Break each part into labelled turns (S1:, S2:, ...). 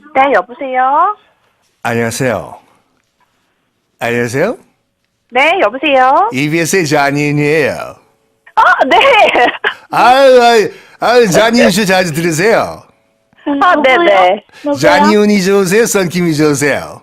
S1: 네, 여보세요?
S2: 안녕하세요. 안녕하세요.
S1: 네, 여보세요?
S2: EBS의 잔인이에요.
S1: 네.
S2: 잔이윤 씨 자주 들으세요.
S1: 네네.
S2: 잔이윤이 좋으세요? 썬킴이 좋으세요?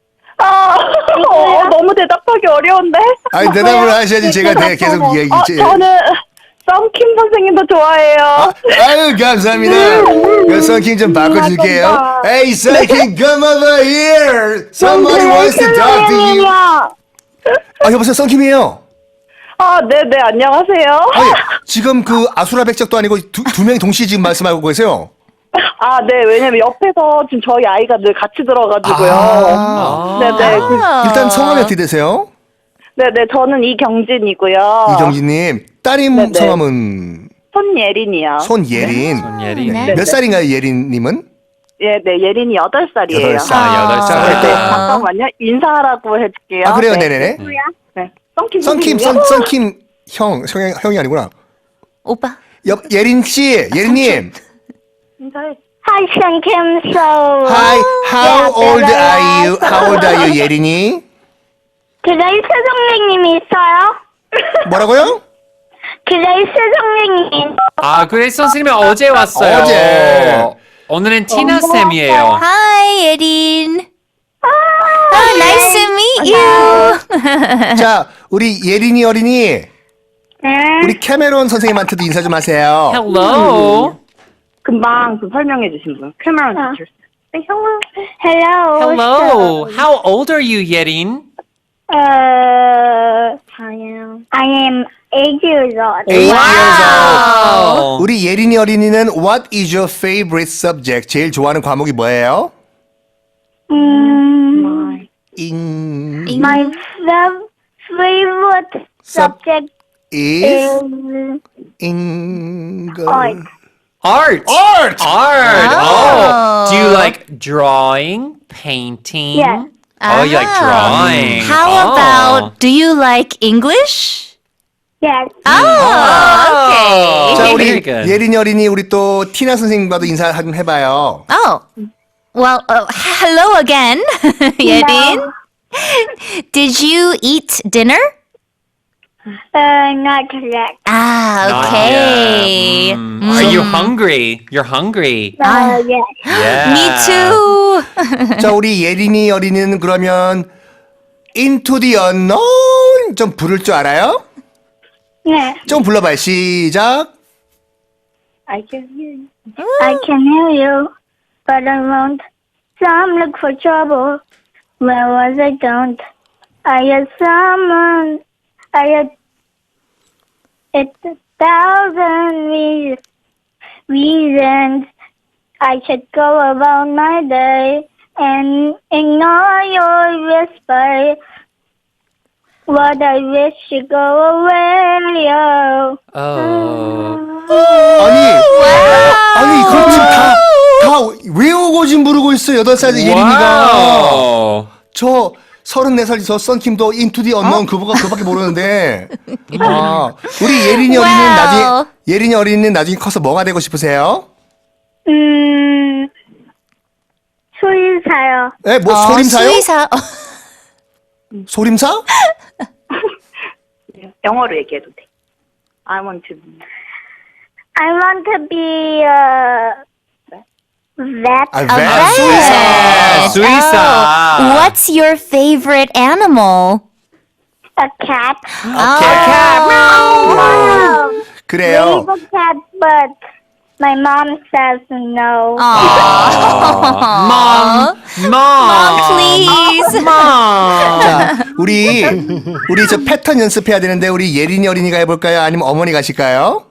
S1: 너무 대답하기 어려운데?
S2: 아니, 대답을 하셔야지 제가 계속 얘기.
S1: 저는 썸킴 선생님도 좋아해요.
S2: 아유, 감사합니다. 그 썬킴 좀 바꿔줄게요. Hey, 썬킴, come over here. Somebody wants to talk to you. 여보세요, 썬킴이에요.
S1: 네네, 안녕하세요.
S2: 아니, 지금 그 아수라 백작도 아니고 두 명이 동시에 지금 말씀하고 계세요.
S1: 네, 왜냐면 옆에서 지금 저희 아이가 늘 같이 들어가지고요. 네네.
S2: 일단 성함이 어떻게 되세요?
S1: 네네, 저는 이경진이고요.
S2: 이경진님. 따님
S1: 네네.
S2: 성함은?
S1: 손예린이요.
S2: 손예린.
S3: 손예린.
S4: 네.
S2: 몇 살인가요, 예린님은?
S1: 네, 예린이 8살이에요.
S2: 8살.
S3: 살.
S1: 네, 잠깐만요. 인사하라고 해줄게요.
S2: 그래요,
S1: 네.
S2: 네네네.
S1: 네. 썸킴
S2: 썬킴,
S1: 선생님이요?
S2: 썬킴 형이 아니구나.
S4: 오빠.
S2: 예린 씨, 예린님.
S1: 인사해.
S5: Hi, Shankim. So,
S2: Hi, how old are you? How old are you, 예린이?
S5: 그레이스 선생님이 있어요?
S2: 뭐라고요?
S5: 그레이스 선생님.
S3: 그레이스 선생님이 어제 왔어요.
S2: 어제.
S3: 오늘은 티나 쌤이에요.
S4: Hi, 예린. Nice to meet you.
S2: 자, 우리 예린이 어린이, 우리 캐메론 선생님한테도 인사 좀 하세요.
S3: Hello.
S1: 금방 설명해 주신 분. 캐머런 티처.
S5: Hello.
S3: Hello. How old are you, 예린?
S5: I am 8 years old.
S2: 8 years old.
S3: Wow.
S2: 우리 예린이 어린이는 What is your favorite subject? 제일 좋아하는 과목이 뭐예요?
S5: My favorite subject
S2: is
S5: is
S2: English.
S5: art.
S3: Art.
S2: Art.
S3: Oh. Do you like drawing, painting?
S5: Yes.
S3: Oh, you like drawing.
S4: How about, do you like English?
S5: Yes.
S4: Okay.
S2: 자,
S3: Very
S2: 우리
S3: good.
S2: 예린이 어린이 우리 또 티나 선생님과도 인사 좀 해봐요.
S4: Well, hello again, 예린. Did you eat dinner?
S5: Not correct.
S3: Not
S4: Okay.
S3: yet. Are you hungry? You're hungry.
S5: Yes.
S3: Yeah.
S4: Me too.
S2: 자, 우리 예린이 어린이는 그러면 Into the Unknown 좀 부를 줄 알아요?
S5: Yes.
S2: 좀 불러봐요. 시작.
S1: I can hear you.
S5: I can hear you, but I won't. Some look for trouble. Where was I? Don't. I had someone. I had it's 1,000 reasons I should go about my day and ignore your whisper. What I wish you go away. Oh.
S2: 아니, 그럼 지금 다 외우고 지금 부르고 있어, 8살 예린이가.
S3: Wow.
S2: 저 34살 저 썬킴도 Into the Unknown 그거밖에 모르는데. 우리 예린이 어린이는
S4: Wow.
S2: 나중에, 예린이 어린이는 나중에 커서 뭐가 되고 싶으세요?
S5: 수의사요.
S2: 예, 뭐, 소림사요?
S4: 수의사.
S2: 소림사?
S1: 영어로 얘기해도 돼. I want to
S5: be a vet.
S2: 아,
S4: vet.
S2: 수의사.
S3: 수의사.
S4: What's your favorite animal?
S5: A cat.
S2: 그래요.
S5: Raise a cat, but my mom says no.
S3: Mom. Mom.
S4: Please.
S3: Mom.
S2: 자, 우리 저 패턴 연습해야 되는데 우리 예린이 어린이가 해볼까요? 아니면 어머니 가실까요?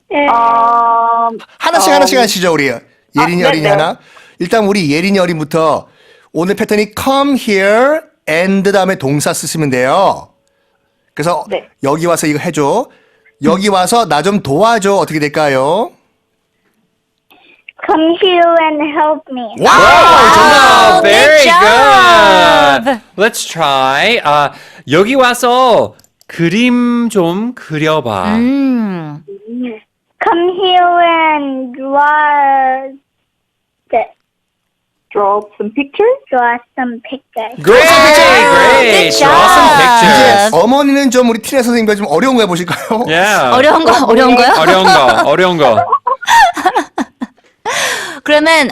S2: 하나씩 하시죠, 우리 예린이 어린이
S1: 네네.
S2: 하나. 일단 우리 예린이 어린부터 오늘 패턴이 come here and 다음에 동사 쓰시면 돼요. 그래서
S1: 네.
S2: 여기 와서 이거 해줘. 여기 와서 나 좀 도와줘. 어떻게 될까요?
S5: Come here and help me.
S3: 정답. Very
S4: good job.
S3: good. Let's try. 여기 와서 그림 좀 그려봐.
S5: Come here and draw the
S1: Draw some pictures?
S5: Draw some pictures.
S3: Great, great.
S4: Good
S3: Draw some
S4: job.
S3: pictures.
S2: 이제 어머니는 좀 우리 티나 선생님과 좀 어려운 거 해보실까요?
S3: Yeah.
S4: 어려운 거요?
S3: 어려운 거.
S4: 그러면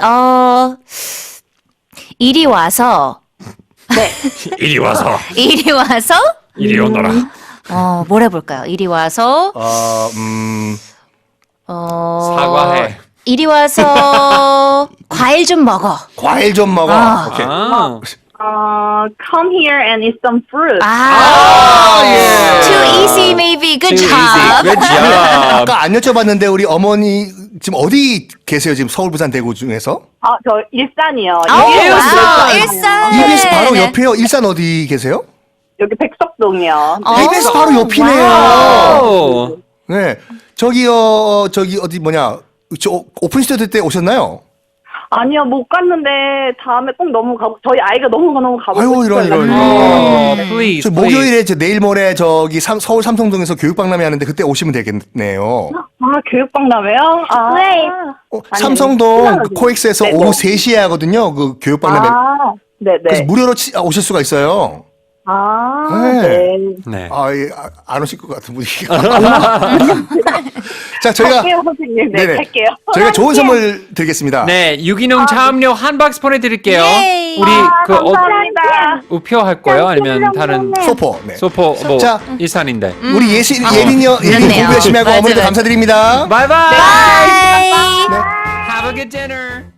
S4: 이리 와서
S3: 이리 와서. 이리 오너라.
S4: 뭘 해볼까요? 이리 와서
S3: 사과해.
S4: 이리 와서 과일 좀 먹어.
S2: 과일 좀 먹어.
S4: 아.
S2: 오케이.
S1: Come here and eat some fruit.
S2: 예.
S4: Too easy maybe. Good
S3: Too
S4: job.
S3: easy. Good job.
S2: 아까 안 여쭤봤는데 우리 어머니 지금 어디 계세요? 지금 서울, 부산, 대구 중에서?
S1: 저 일산이요.
S4: 와우, 일산.
S2: EBS 바로
S4: 네.
S2: 옆에요. 일산 어디 계세요?
S1: 여기 백석동이요.
S2: EBS 바로 옆이네요.
S3: 와우.
S2: 네. 저기요, 저기 어디 뭐냐? 저 오픈 스튜디오 때 오셨나요?
S1: 아니요, 못 갔는데 다음에 꼭 너무 가고 저희 아이가 너무 가고
S2: 아이고,
S1: 싶어요.
S2: 이런.
S3: Please,
S2: 저 목요일에 저 내일 모레 저기 서울 삼성동에서 교육박람회 하는데 그때 오시면 되겠네요.
S1: 교육박람회요?
S5: Wait.
S2: 삼성동 그 코엑스에서
S1: 네,
S2: 오후
S1: 뭐.
S2: 3시에 하거든요. 그 교육박람회.
S1: 네네.
S2: 그래서 무료로 오실 수가 있어요. 네.
S3: 네.
S2: 안 오실 것 같은 분위기가. 자, 저희가
S1: 갈게요, 선생님. 네,
S2: 네네.
S1: 갈게요.
S2: 저희가 좋은 선물 드리겠습니다.
S3: 네, 유기농 차음료 한 박스 보내드릴게요.
S4: 예이.
S3: 우리 그
S1: 감사합니다.
S3: 우표 할 거예요? 아니면 다른
S2: 소포. 네.
S3: 소포 뭐
S2: 자.
S3: 일산인데.
S2: 우리 예린
S4: 그렇네요.
S2: 공부 열심히 하고
S4: 맞아요.
S2: 어머니도 감사드립니다.
S3: Bye bye.
S4: Bye.
S3: Have a good dinner.